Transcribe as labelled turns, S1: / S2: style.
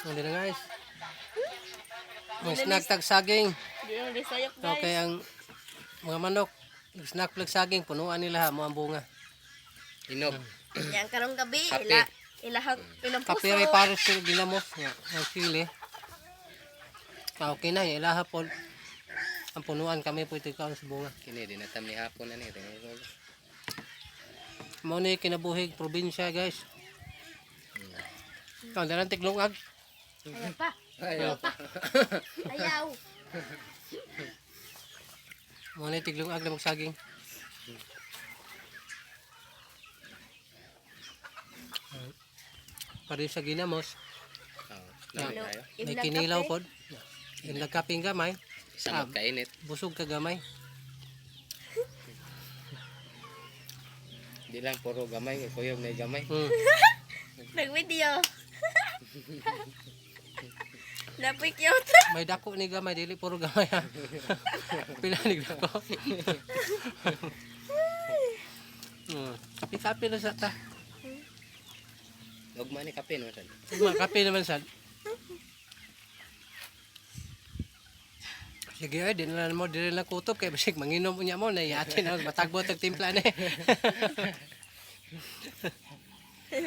S1: Hindi na guys. Ang snack tag saging.
S2: Di na disayok guys.
S1: Okay, ang mga manok. Snack plag saging. Punuan nila mo ang bunga.
S3: Inog.
S2: Yang karong gabi,
S3: Kape.
S2: ilang puso.
S1: Kapire pares sila ginamos. Ang sili. Okay na. Ilaha po. Ang punuan kami po ito ikaw sa bunga.
S3: Kini dinatam ni hapon na ni.
S1: Mao ni kinabuhig probinsya guys. Ang dalang tiglungag.
S2: Ayaw pa.
S3: Ayaw.
S2: Ayaw.
S1: Mao ni tiglungag na magsaging. Pari sa ginamos.
S3: Lamig tayo.
S1: May kinilaw pod. Yung nagkaping gamay.
S3: Samot kainit.
S1: Busog ka gamay.
S3: Di lang puro gamay. Kuyog na gamay.
S2: Nag-video. Napoy cute.
S1: May dako ni gamay. Dili puro gamay ha. Pinanig dako. Kapi-kapi na sa ta.
S3: Huwag man ni kape no.
S1: Mga kape naman sad. Sige ay, di na mo dili na kutob kay basig manginom unya mo na yatin na matagbo tag timpla ni.